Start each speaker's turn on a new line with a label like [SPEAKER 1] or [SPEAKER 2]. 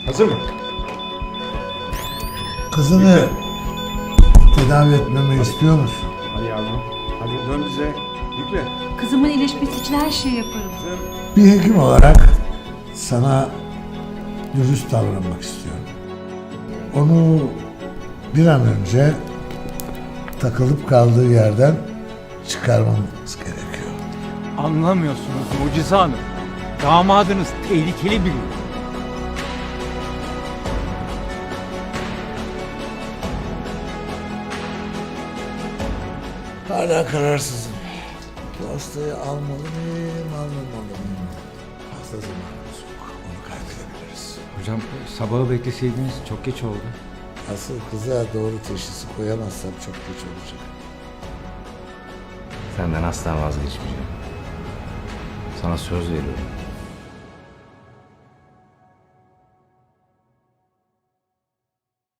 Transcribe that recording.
[SPEAKER 1] Hazır mı?
[SPEAKER 2] Kızını tedavi etmemi istiyor musun?
[SPEAKER 1] Hadi yavrum. Hadi dön bize. Yükle.
[SPEAKER 3] Kızımın iyileşmesi için her şeyi yaparım.
[SPEAKER 2] Bir hekim olarak sana dürüst davranmak istiyorum. Onu bir an önce takılıp kaldığı yerden çıkarmamız gerekiyor.
[SPEAKER 4] Anlamıyorsunuz Mucize Hanım. Damadınız tehlikeli biri.
[SPEAKER 2] Hala kararsızım. Bu hastayı almalı mıyım, almamalı mıyım? Hasta zamanımız yok. Onu kaybedebiliriz.
[SPEAKER 5] Hocam sabahı bekleseydiniz çok geç oldu.
[SPEAKER 2] Asıl kıza doğru teşhisi koyamazsam çok geç olacak.
[SPEAKER 5] Senden asla vazgeçmeyeceğim. Sana söz veriyorum.